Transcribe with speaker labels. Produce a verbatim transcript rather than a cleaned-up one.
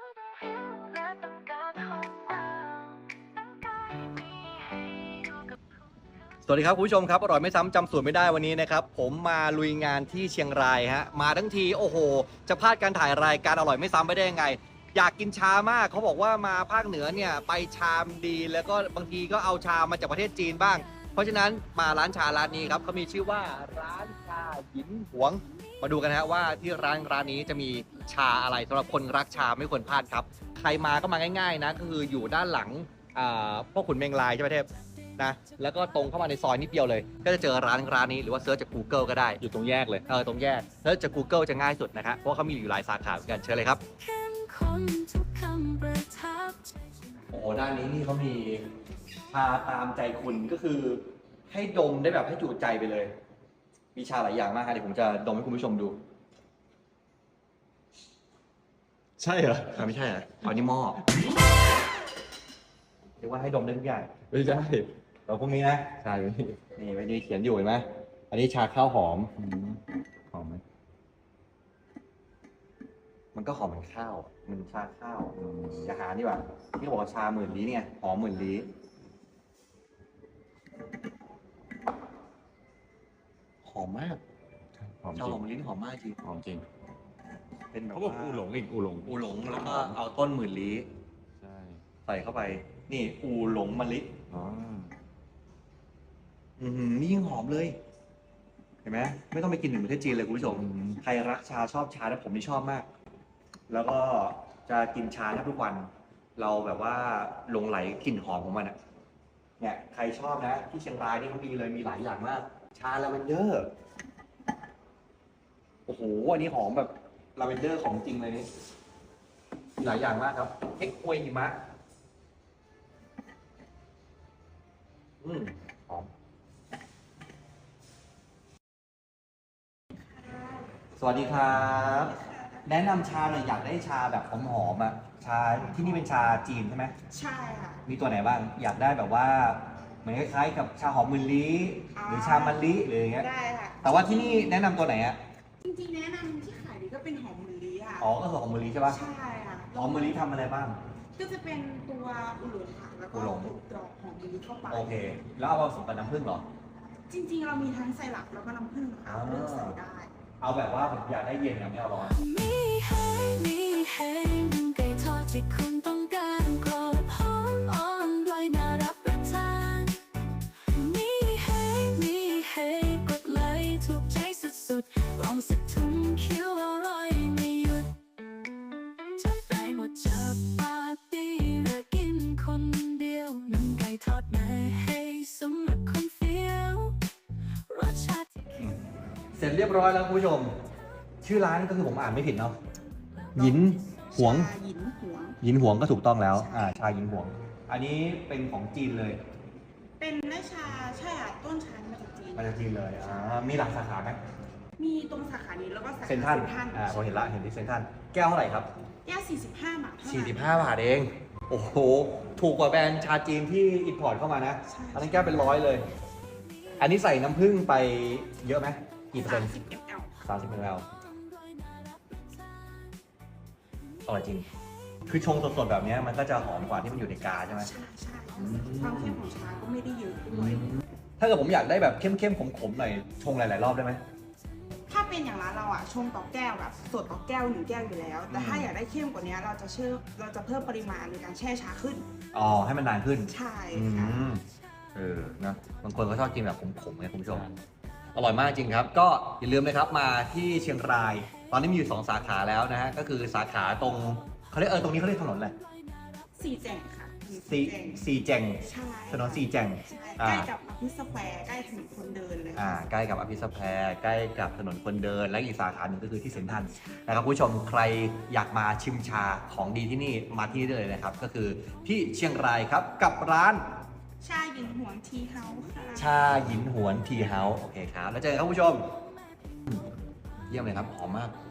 Speaker 1: สวัสดีครับคุณผู้ชมครับอร่อยไม่ซ้ำจำสูตรไม่ได้วันนี้นะครับผมมาลุยงานที่เชียงรายฮะมาทั้งทีโอ้โหจะพลาดการถ่ายรายการอร่อยไม่ซ้ำไปได้ยังไงอยากกินชามากเขาบอกว่ามาภาคเหนือเนี่ยไปชามดีแล้วก็บางทีก็เอาชามาจากประเทศจีนบ้างเพราะฉะนั้นมาร้านชาร้านนี้ครับเขามีชื่อว่าร้านชาหยินหวงมาดูกันฮะว่าที่ร้านร้านนี้จะมีชาอะไรสำหรับคนรักชาไม่ควรพลาดครับใครมาก็มาง่ายๆนะก็คืออยู่ด้านหลังพ่อขุนเมงลายใช่ไหมเทพนะแล้วก็ตรงเข้ามาในซอยนิดเดียวเลยก็จะเจอร้านร้านนี้หรือว่าเซิร์ชจาก Google ก็ได้
Speaker 2: อยู่ตรงแยกเลย
Speaker 1: เออตรงแยกเซิร์ชจาก Google จะง่ายสุดนะครับเพราะเขามีอยู่หลายสาขาเหมือนกันเชิญเลยครับโอ้โหด้านนี้นี่เขามีชาตามใจคุณก็คือให้ดมได้แบบให้จุใจไปเลยมีชาหลายอย่างมากครับเดี๋ยวผมจะดมให้คุณผู้ชมดู
Speaker 2: ใช่เหรอ
Speaker 1: ไม่ใช่เหรออันนี้หม้อเรียกว่าให้ดมได้ทุกอย่าง
Speaker 2: ไม่ใช่
Speaker 1: เราพวกนี้นะ
Speaker 2: ใช่ไหม
Speaker 1: นี่ไว้ดีเขียนอยู่เห็นไหมอันนี้ชาข้าวหอม
Speaker 2: หอมไหม
Speaker 1: มันก็หอมเหมือนข้าวมันชาข้าวอย่าหาดีกว่าที่บอกว่าชาหมื่นลี้เนี่ยหอมหมื่นลี้หอมมาก
Speaker 2: หอมจ
Speaker 1: ชา
Speaker 2: ริ
Speaker 1: หอง มลิ้นหอมมากจริง
Speaker 2: หอมจริง
Speaker 1: เป็นแบบ
Speaker 2: เขาบอกอูหลงอีกอูหลง
Speaker 1: อูหลงแล้วก็เอาต้นหมื่นลี้
Speaker 2: ใช่
Speaker 1: ใส่เข้าไปนี่อูหลงมะลิ
Speaker 2: อ๋อ
Speaker 1: อืมนี่ยิ่งหอมเลยเห็นไหมไม่ต้องไปกินถึงประเทศจีนเลยคุณผู้ชมใครรักชาชอบชาแล้วผมนี่ชอบมากแล้วก็จะกินชาแทบทุกวันเราแบบว่าหลงไหลกลิ่นหอมของมันอ่ะเนี่ยใครชอบนะที่เชียงรายนี่เขามีเลยมีหลายอย่างมากชาลาเวนเดอร์โอ้โหอันนี้หอมแบบลาเวนเดอร์ของจริงเลยนี่มีหลายอย่างมากครับเอ็กอวยหิมะอืมหอมสวัสดีครับแนะนำชาหน่อยอยากได้ชาแบบหอมๆอ่ะชาที่นี่เป็นชาจีนใช่ไหม
Speaker 3: ใช่ค่ะ
Speaker 1: มีตัวไหนบ้างอยากได้แบบว่าเหมือนคล้ายๆกับชาหอมมะลิหรือชามะลิหรืออย่างเงี้ย
Speaker 3: ได้ค่ะ
Speaker 1: แต่ว่าที่นี่แนะนำตัวไหนอ่ะ
Speaker 3: จริงๆแนะนำที่ขายดีก็เป็นหอมมะลิค่ะ
Speaker 1: อ๋อก็คือหอมมะลิใช่ป่ะ
Speaker 3: ใช่ค่ะ
Speaker 1: หอมมะลิทำอะไรบ้าง
Speaker 3: ก็จะเป็นตัวอุหลงค่ะแล้วก็ถูกกรอกหอมมะลิเข้าไป
Speaker 1: โอเคแล้วเอาผสมกับน้ำผึ้งเหรอ
Speaker 3: จริงๆเรามีทั้งไซรัปแล้วก็น้ำผึ้งค่ะเลือกใส่ได้
Speaker 1: เอาแบบว่าผมอยากได้เย็นนะไม่เอาร้อน
Speaker 4: มีให้มีให้ไก่ทอดที่คุณต้องการกรอบหอมอ่อนด้วยน่ารับประทานมีให้มีให้กดไลค์ถูกใจสุดๆลองสักถุงเคี้ยวอร่อยไม่หยุดจัดไปหมดจะปาร์ตี้หรือกินคนเดียวน้ำไก่ทอดแม่ให้สำหรับคนเฟี้ยวรสชาติ
Speaker 1: เสร็จเรียบร้อยแล้วคุณผู้ชมชื่อร้านก็คือผมอ่านไม่ผิดเนาะหยินหวง
Speaker 3: หยินหวง
Speaker 1: หยินหวงก็ถูกต้องแล้วอ่าชาหยินหวงอันนี้เป็นของจีนเลย
Speaker 3: เป็นได้ชาใช่ค่ะต้นชามาจากจีน
Speaker 1: มาจากจีนเลยอ่ามีหลายสาขาไหม
Speaker 3: มีตรงสาขานี้แล้วก็สาขา
Speaker 1: เซ็นทรัลอ่าพอเห็นละเห็นที่เซ็นทรัลแก้วเท่าไหร่ครับ
Speaker 3: แก้วสี่สิบห้าบาท
Speaker 1: สี่สิบห้าบาทเองโอ้โหถูกกว่าแบรนด์ชาจีนที่อินพอร์ตเข้ามานะอันนี้แก้วเป็นร้อยเลยอันนี้ใส่น้ำผึ้งไปเยอะไหมกี่เปอร์เซ็นต์สามสิบมิลลิลิตรอร่อยจริงคือชงสดๆแบบนี้มันก็จะหอมกว่าที่มันอยู่ในกาใช่ไหม
Speaker 3: ใช่ใช่ความเข้มของชาก็ไม่ได้เยอะด้วย
Speaker 1: ถ้าเกิดผมอยากได้แบบเข้มๆขมๆหน่อยชงหลายๆรอบได้ไหม
Speaker 3: ถ้าเป็นอย่างร้านเราอ่ะชงต่อแก้วแบบสดต่อแก้วหนึ่งแก้วอยู่แล้วแต่ถ้าอยากได้เข้มกว่านี้เราจะเชื่อเราจะเพิ่มปริมาณในการแช่ชาขึ้น
Speaker 1: อ๋อให้มันนานขึ้น
Speaker 3: ใช่ค่ะ
Speaker 1: เออนะบางคนก็ชอบกินแบบขมๆไงคุณผู้ชมอร่อยมากจริงครับก็อย่าลืมนะครับมาที่เชียงรายตอนนี้มีอยู่สองสาขาแล้วนะฮะก็คือสาขาตรงเขาเรียกเออตรงนี้เขาเรียกถนนอะไร
Speaker 3: สี่แจงค่ะ
Speaker 1: สี่สี่แจงถนนสี่แจง
Speaker 3: ใกล้กับอภิสแควร์ใกล้ถนนคนเดินเลย
Speaker 1: อ่าใกล้กับอภิสแควร์ใกล้กับถนนคนเดินและอีกสาขาหนึ่งก็คือที่เซ็นทรัลนะครับผู้ชมใครอยากมาชิมชาของดีที่นี่มาที่นี่เลยนะครับก็คือที่เชียงรายครับกับร้าน
Speaker 3: ชาหยินหวนทีเฮาส์ค่ะ
Speaker 1: ชาหยินหวนทีเฮาส์โอเคครับแล้วเจอกันครับผู้ชมเยี่ยมเลยครับหอมมาก